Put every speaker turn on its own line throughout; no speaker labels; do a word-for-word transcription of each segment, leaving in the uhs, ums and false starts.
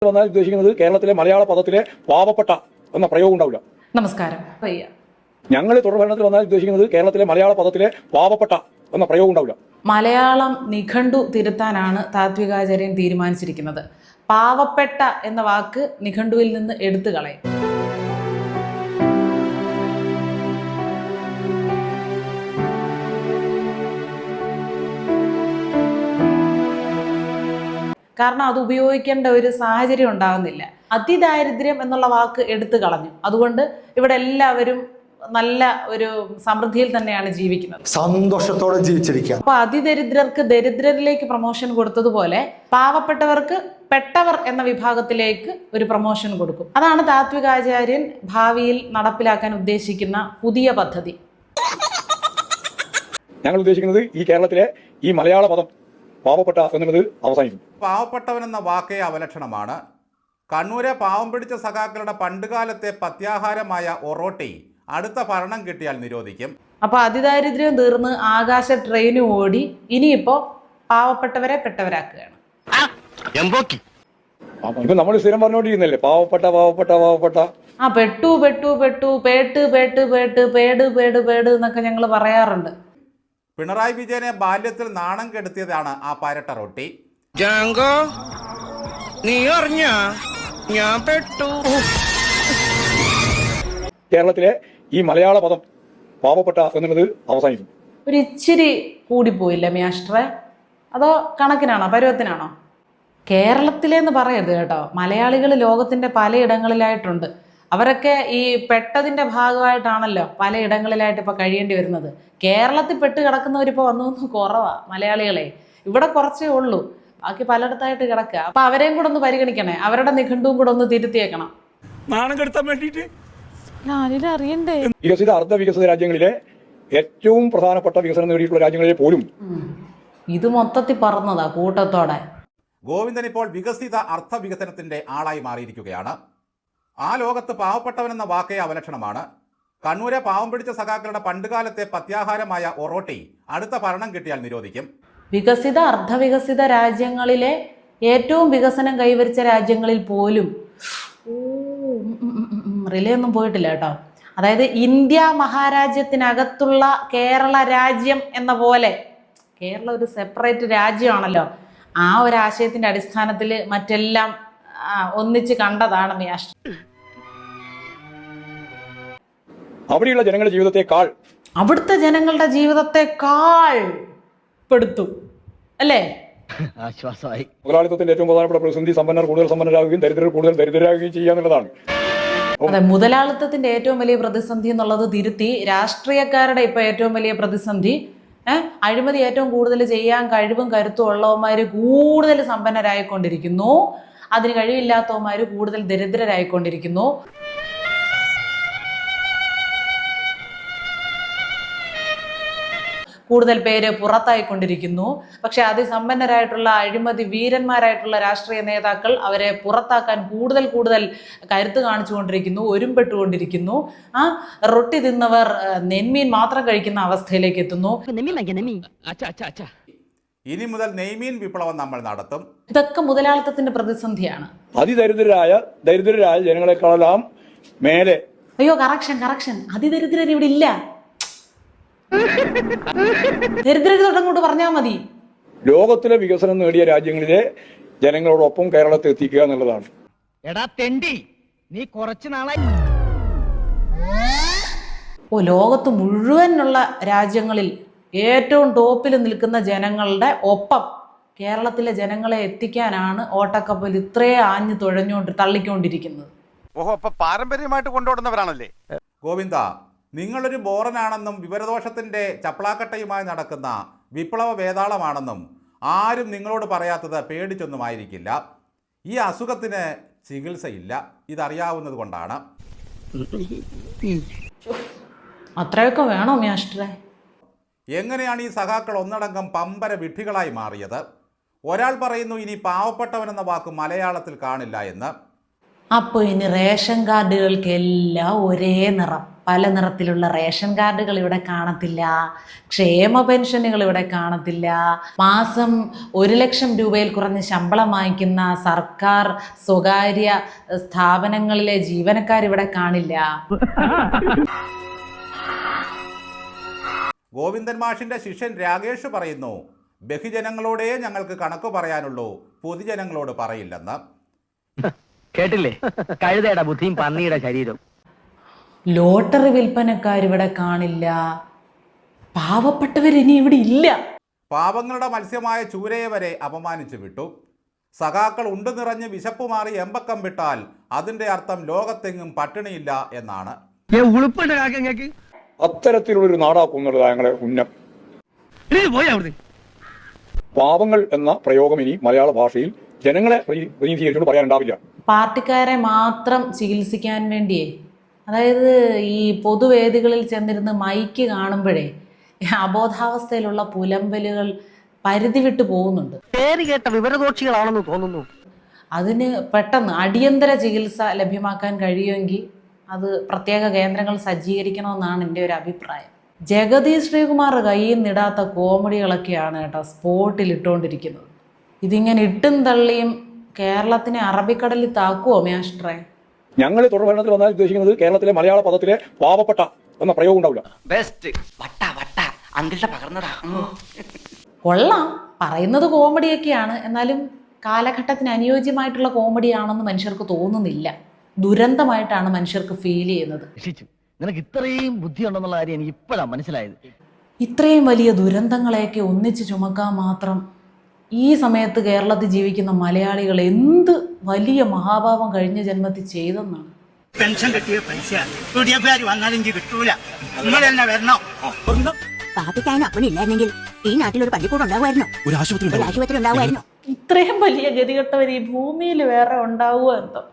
വന്നാൽ ഉദ്ദേശിക്കുന്നത് കേരളത്തിലെ മലയാള പദത്തിലെ പാവപ്പെട്ട എന്ന പ്രയോഗം ഉണ്ടാവില്ല.
നമസ്കാരം.
ഞങ്ങൾ തുടർഭരണത്തിൽ വന്നാൽ ഉദ്ദേശിക്കുന്നത് കേരളത്തിലെ മലയാള പദത്തിലെ പാവപ്പെട്ട എന്ന പ്രയോഗം ഉണ്ടാവില്ല.
മലയാളം നിഘണ്ടു തിരുത്താനാണ് താത്വികാചാര്യൻ തീരുമാനിച്ചിരിക്കുന്നത്. പാവപ്പെട്ട എന്ന വാക്ക് നിഘണ്ടുവിൽ നിന്ന് എടുത്തു കളയും. കാരണം അത് ഉപയോഗിക്കേണ്ട ഒരു സാഹചര്യം ഉണ്ടാകുന്നില്ല. അതിദാരിദ്ര്യം എന്നുള്ള വാക്ക് എടുത്തു കളഞ്ഞു. അതുകൊണ്ട് ഇവിടെ എല്ലാവരും നല്ല ഒരു സമൃദ്ധിയിൽ തന്നെയാണ് ജീവിക്കുന്നത്,
സന്തോഷത്തോടെ ജീവിച്ചിരിക്കുക.
അപ്പൊ അതിദരിദ്രർക്ക് ദരിദ്രരിലേക്ക് പ്രൊമോഷൻ കൊടുത്തതുപോലെ പാവപ്പെട്ടവർക്ക് പെട്ടവർ എന്ന വിഭാഗത്തിലേക്ക് ഒരു പ്രൊമോഷൻ കൊടുക്കും. അതാണ് താത്വികാചാര്യൻ ഭാവിയിൽ നടപ്പിലാക്കാൻ ഉദ്ദേശിക്കുന്ന പുതിയ പദ്ധതി.
ഞങ്ങൾ ഉദ്ദേശിക്കുന്നത് ഈ കേരളത്തിലെ ഈ മലയാള പദം പാവപ്പെട്ട എന്നുള്ളത് അവസാനിക്കും.
പാവപ്പെട്ടവൻ എന്ന വാക്കേ അവലക്ഷണമാണ്. കണ്ണൂരെ പാവം പിടിച്ച സഖാക്കളുടെ പണ്ടുകാലത്തെ പത്യാഹാരമായ ഒറോട്ടി അടുത്ത ഭരണം കിട്ടിയാൽ നിരോധിക്കും.
അപ്പൊ അതിദാരിദ്ര്യം തീർന്ന് ആകാശ ട്രെയിന് ഓടി ഇനിയിപ്പോ പാവപ്പെട്ടവരെ പെട്ടവരാക്കുകയാണ്.
ഇപ്പൊ നമ്മൾ സ്ഥിരം പറഞ്ഞുകൊണ്ടിരിക്കുന്നല്ലേ പാവപ്പെട്ട പാവപ്പെട്ട പാവപ്പെട്ട
ആ പെട്ടു പെട്ടു പെട്ടു പേട്ട് പേട്ട് പേട്ട് പേട് പേട് പേട് എന്നൊക്കെ ഞങ്ങൾ പറയാറുണ്ട്.
പിണറായി വിജയനെ ബാല്യത്തിൽ നാണം കെടുത്തിയതാണ് ആ പരട്ട റൊട്ടി.
കേരളത്തിലെ ഈ മലയാള പദം പാവപ്പെട്ട എന്നുള്ളത് അവസാനിക്കും.
ഒരു ഇച്ചിരി കൂടിപ്പോയില്ല മാസ്റ്ററെ? അതോ കണക്കിനാണോ, പരുവത്തിനാണോ? കേരളത്തിലെന്ന് പറയരുത് കേട്ടോ. മലയാളികൾ ലോകത്തിന്റെ പലയിടങ്ങളിലായിട്ടുണ്ട്. അവരൊക്കെ ഈ പെട്ടതിന്റെ ഭാഗമായിട്ടാണല്ലോ പലയിടങ്ങളിലായിട്ട് ഇപ്പൊ കഴിയേണ്ടി വരുന്നത്. കേരളത്തിൽ പെട്ട് കിടക്കുന്നവരിപ്പോ വന്നു കുറവാ മലയാളികളെ. ഇവിടെ കുറച്ചേ ഉള്ളൂ, ബാക്കി പലയിടത്തായിട്ട് കിടക്കുക. അപ്പൊ അവരെയും കൂടെ ഒന്ന് പരിഗണിക്കണേ, അവരുടെ നിഘണ്ടുവും കൂടെ ഒന്ന് തിരുത്തിയേക്കണം.
നാണം കെടുത്താൻ വേണ്ടിയിട്ട്
അറിയണ്ടേ?
വികസിത അർദ്ധ വികസിത രാജ്യങ്ങളിലെ ഏറ്റവും പ്രധാനപ്പെട്ട വികസനം നേടിയിട്ടുള്ള രാജ്യങ്ങളിലെ പോലും
ഇത് മൊത്തത്തിൽ പറഞ്ഞതാ കൂട്ടത്തോടെ.
ഗോവിന്ദൻ ഇപ്പോൾ വികസിത അർത്ഥ വികസനത്തിന്റെ ആളായി മാറിയിരിക്കുകയാണ്. ആ ലോകത്ത് പാവപ്പെട്ടവനെന്ന വാക്കേ അവലക്ഷണമാണ്. കണ്ണൂരെ പാവം പിടിച്ച സഖാക്കളുടെ പണ്ടുകാലത്തെ പത്യാഹാരമായ ഒറോട്ടി അടുത്ത ഭരണം കിട്ടിയാൽ നിരോധിക്കും.
വികസിത അർദ്ധവികസിത രാജ്യങ്ങളിലെ ഏറ്റവും വികസനം കൈവരിച്ച രാജ്യങ്ങളിൽ പോലും റിലേ ഒന്നും പോയിട്ടില്ല കേട്ടോ. അതായത് ഇന്ത്യ മഹാരാജ്യത്തിനകത്തുള്ള കേരള രാജ്യം എന്ന പോലെ കേരളം ഒരു സെപ്പറേറ്റ് രാജ്യമാണല്ലോ. ആ ഒരു ആശയത്തിന്റെ അടിസ്ഥാനത്തിൽ മറ്റെല്ലാം ഒന്നിച്ച് കണ്ടതാണ് മ്യാഷ്.
അവിടെയുള്ള ജനങ്ങളുടെ ജീവിതത്തെക്കാൾ
അവിടുത്തെ ജനങ്ങളുടെ ജീവിതത്തെക്കാൾ പെടുത്തും അല്ലേ?
ആശ്വാസമായി. മുതലാളിത്തത്തിന്റെ ഏറ്റവും പ്രധാനപ്പെട്ട പ്രതിസന്ധി സമ്പന്നർ കൂടുതൽ സമ്പന്നരാകുകയും ദരിദ്രർ കൂടുതൽ ദരിദ്രരാകുകയും ചെയ്യുക എന്നുള്ളതാണ്.
അതെ, മുതലാളിത്തത്തിന്റെ ഏറ്റവും വലിയ പ്രതിസന്ധി എന്നുള്ളത് തിരുത്തി രാഷ്ട്രീയക്കാരുടെ ഇപ്പൊ ഏറ്റവും വലിയ പ്രതിസന്ധി ഏഹ് അഴിമതി ഏറ്റവും കൂടുതൽ ചെയ്യാൻ കഴിവും കരുത്തും ഉള്ളവന്മാര് കൂടുതൽ സമ്പന്നരായിക്കൊണ്ടിരിക്കുന്നു, അതിന് കഴിവില്ലാത്തവന്മാര് കൂടുതൽ ദരിദ്രരായിക്കൊണ്ടിരിക്കുന്നു. കൂടുതൽ പേര് പുറത്തായിക്കൊണ്ടിരിക്കുന്നു. പക്ഷെ അതിസമ്പന്നരായിട്ടുള്ള അഴിമതി വീരന്മാരായിട്ടുള്ള രാഷ്ട്രീയ നേതാക്കൾ അവരെ പുറത്താക്കാൻ കൂടുതൽ കൂടുതൽ കരുത്ത് കാണിച്ചുകൊണ്ടിരിക്കുന്നു, ഒരുമ്പെട്ടുകൊണ്ടിരിക്കുന്നു. ആ റൊട്ടി തിന്നവർ നെന്മീൻ മാത്രം കഴിക്കുന്ന അവസ്ഥയിലേക്ക് എത്തുന്നു.
ഇനി മുതൽ നെയ്മീൻ വിപ്ലവം നമ്മൾ നടത്തും.
ഇതൊക്കെ മുതലാളിത്തത്തിന്റെ പ്രതിസന്ധിയാണ്.
അതിദരിദ്രരായ ദരിദ്രരായ ജനങ്ങളെക്കാളെല്ലാം മേലെ.
അയ്യോ കറക്ഷൻ കറക്ഷൻ അതിദരിദ്രർ ഇവിടെ ഇല്ല. ദരിദ്രര് തൊട്ടങ്ങോട്ട് പറഞ്ഞാൽ മതി.
ലോകത്തിലെ വികസനം നേടിയ രാജ്യങ്ങളിലെ ജനങ്ങളോടൊപ്പം കേരളത്തെ എത്തിക്കുക എന്നുള്ളതാണ്.
എടാ തെണ്ടി, നീ കുറച്ചു നാളായി
ഓ ലോകത്ത് മുഴുവനുള്ള രാജ്യങ്ങളിൽ ഏറ്റവും ടോപ്പിൽ നിൽക്കുന്ന ജനങ്ങളുടെ ഒപ്പം കേരളത്തിലെ ജനങ്ങളെ എത്തിക്കാനാണ് ഓട്ടക്കപ്പൽ ഇത്രയും ആഞ്ഞു തുഴഞ്ഞുകൊണ്ട് തള്ളിക്കൊണ്ടിരിക്കുന്നത്.
ഓഹോ, അപ്പൊ പാരമ്പര്യമായിട്ട് കൊണ്ടുപോടുന്നവരാണല്ലേ?
ഗോവിന്ദ, നിങ്ങളൊരു ബോറനാണെന്നും വിവരദോഷത്തിന്റെ ചപ്പളാക്കട്ടയുമായി നടക്കുന്ന വിപ്ലവ വേതാളമാണെന്നും ആരും നിങ്ങളോട് പറയാത്തത് പേടിച്ചൊന്നുമായിരിക്കില്ല. ഈ അസുഖത്തിന് ചികിത്സയില്ല, ഇതറിയാവുന്നത് കൊണ്ടാണ്.
അത്രയൊക്കെ വേണോ മാസ്റ്ററെ?
എങ്ങനെയാണ് ഈ സഖാക്കൾ ഒന്നടങ്കം പമ്പര വിഡ്ഢികളായി മാറിയത്? ഒരാൾ പറയുന്നു ഇനി പാവപ്പെട്ടവനെന്ന വാക്ക് മലയാളത്തിൽ കാണില്ല എന്ന്.
അപ്പോൾ ഇനി റേഷൻ കാർഡുകൾക്കെല്ലാം ഒരേ നിറം, പല നിറത്തിലുള്ള റേഷൻ കാർഡുകൾ ഇവിടെ കാണത്തില്ല, ക്ഷേമ പെൻഷനുകൾ ഇവിടെ കാണത്തില്ല, മാസം ഒരു ലക്ഷം രൂപയിൽ കുറഞ്ഞ് ശമ്പളം വാങ്ങിക്കുന്ന സർക്കാർ സ്വകാര്യ സ്ഥാപനങ്ങളിലെ ജീവനക്കാർ ഇവിടെ കാണില്ല.
ഗോവിന്ദൻ മാഷിന്റെ ശിഷ്യൻ രാകേഷ് പറയുന്നു, ബഹുജനങ്ങളോടേ ഞങ്ങൾക്ക് കണക്ക് പറയാനുള്ളൂ, പൊതുജനങ്ങളോട് പറയില്ലെന്ന്.
കേട്ടില്ലേ, കഴുതയുടെ ബുദ്ധിയും പന്നിയുടെ ശരീരം.
ലോട്ടറി വിൽപ്പനക്കാരിവിടെ കാണില്ല, പാവപ്പെട്ടവർ ഇനി ഇവിടെ ഇല്ല.
പാവങ്ങളുടെ മത്സ്യമായ ചൂരയെ വരെ അപമാനിച്ചു വിട്ടു. സഖാക്കൾ ഉണ്ടു നിറഞ്ഞ് വിശപ്പ് മാറി എമ്പക്കം വിട്ടാൽ അതിന്റെ അർത്ഥം ലോകത്തെങ്ങും പട്ടിണിയില്ല എന്നാണ്.
അത്തരത്തിലുള്ളൊരു നാടാക്കുന്നുള്ളത് ഞങ്ങളെ ഉന്നം. പാവങ്ങൾ എന്ന പ്രയോഗം ഇനി മലയാള ഭാഷയിൽ ജനങ്ങളെ പ്രതിനിധീകരിച്ചുകൊണ്ട് പറയാനുണ്ടാവില്ല.
പാർട്ടിക്കാരെ മാത്രം ചികിത്സിക്കാൻ വേണ്ടിയേ, അതായത് ഈ പൊതുവേദികളിൽ ചെന്നിരുന്ന് മൈക്ക് കാണുമ്പോഴേ അബോധാവസ്ഥയിലുള്ള പുലമ്പലുകൾ പരിധി വിട്ടു പോകുന്നുണ്ട്.
പേര് കേട്ട വിവരദോഷികളാണെന്ന് തോന്നുന്നു.
അതിന് പെട്ടെന്ന് അടിയന്തര ചികിത്സ ലഭ്യമാക്കാൻ കഴിയുമെങ്കിൽ അത് പ്രത്യേക കേന്ദ്രങ്ങൾ സജ്ജീകരിക്കണമെന്നാണ് എൻ്റെ ഒരു അഭിപ്രായം. ജഗതി ശ്രീകുമാർ കയ്യിൽ നിടാത്ത കോമഡികളൊക്കെയാണ് കേട്ടോ സ്പോട്ടിൽ ഇട്ടുകൊണ്ടിരിക്കുന്നത്. ഇതിങ്ങനെ ഇട്ടും തള്ളിയും കേരളത്തിനെ അറബിക്കടലിൽ താക്കുവോ മാസ്റ്ററെ?
ഞങ്ങൾ തുടർ ഭരണത്തിൽ വന്നാൽ ഉദ്ദേശിക്കുന്നത് കേരളത്തിലെ മലയാള പദത്തിലെ പാവപ്പെട്ട എന്ന പ്രയോഗം ഉണ്ടാവില്ല.
കൊള്ളാം, പറയുന്നത് കോമഡിയൊക്കെയാണ്, എന്നാലും കാലഘട്ടത്തിന് അനുയോജ്യമായിട്ടുള്ള കോമഡിയാണെന്ന് മനുഷ്യർക്ക് തോന്നുന്നില്ല. ദുരന്തമായിട്ടാണ് മനുഷ്യർക്ക് ഫീൽ ചെയ്യുന്നത്.
നിനക്ക് ഇത്രയും ബുദ്ധി ഉണ്ടെന്നുള്ള കാര്യം എനിക്ക് ഇപ്പോഴാണ് മനസ്സിലായത്.
ഇത്രയും വലിയ ദുരന്തങ്ങളെയൊക്കെ ഒന്നിച്ച് ചുമക്കാൻ മാത്രം ഈ സമയത്ത് കേരളത്തിൽ ജീവിക്കുന്ന മലയാളികൾ എന്ത് വലിയ മഹാഭാവം കഴിഞ്ഞ ജന്മത്തിൽ ചെയ്തെന്നാണ്.
പെൻഷൻ കിട്ടിയ പൈസ വന്നാലെങ്കിൽ കിട്ടൂല, നിങ്ങൾ തന്നെ വരണോ?
പാപ്പിക്കാനും അപ്പനില്ലായിരുന്നെങ്കിൽ ഈ നാട്ടിലൊരു പള്ളിക്കൂടം ഉണ്ടാവുമായിരുന്നു, ഒരു ആശുപത്രി ഉണ്ടാവുമായിരുന്നു.
ഇത്രയും വലിയ ഗതികെട്ടവർ ഈ ഭൂമിയിൽ വേറെ ഉണ്ടാവുക എന്തോ.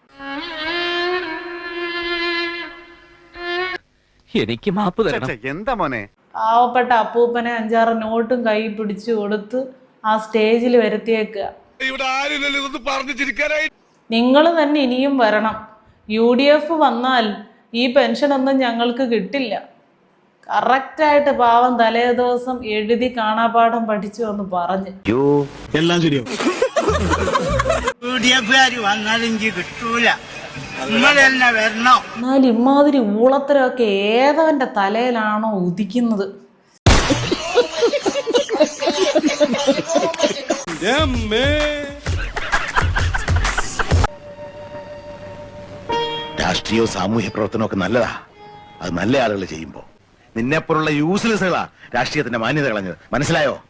എനിക്ക് മാപ്പ് തരണം.
എന്താ മോനെ?
പാവപ്പെട്ട അപ്പൂപ്പനെ അഞ്ചാറ് നോട്ടും കൈ പിടിച്ചു കൊടുത്ത് ആ സ്റ്റേജിൽ വരുത്തിയേക്കുക. നിങ്ങൾ തന്നെ ഇനിയും വരണം. യു ഡി എഫ് വന്നാൽ ഈ പെൻഷനൊന്നും ഞങ്ങൾക്ക് കിട്ടില്ല. കറക്റ്റായിട്ട് പാവം തലേ ദിവസം എഴുതി കാണാപാഠം പഠിച്ചു എന്ന് പറഞ്ഞ്
എല്ലാം ശരിയോ?
യു ഡി എഫ് വന്നാലെങ്കിൽ കിട്ടൂല, നിങ്ങൾ തന്നെ വരണോ?
എന്നാൽ ഇമാതിരി ഊളത്തരമൊക്കെ ഏതവന്റെ തലയിലാണോ ഉദിക്കുന്നത്?
രാഷ്ട്രീയവും സാമൂഹ്യ പ്രവർത്തനമൊക്കെ നല്ലതാ, അത് നല്ല ആളുകൾ ചെയ്യുമ്പോ. നിന്നെപ്പോലുള്ള യൂസ്ലെസ്സുകളാ രാഷ്ട്രീയത്തിന്റെ മാന്യത കളഞ്ഞത്, മനസ്സിലായോ?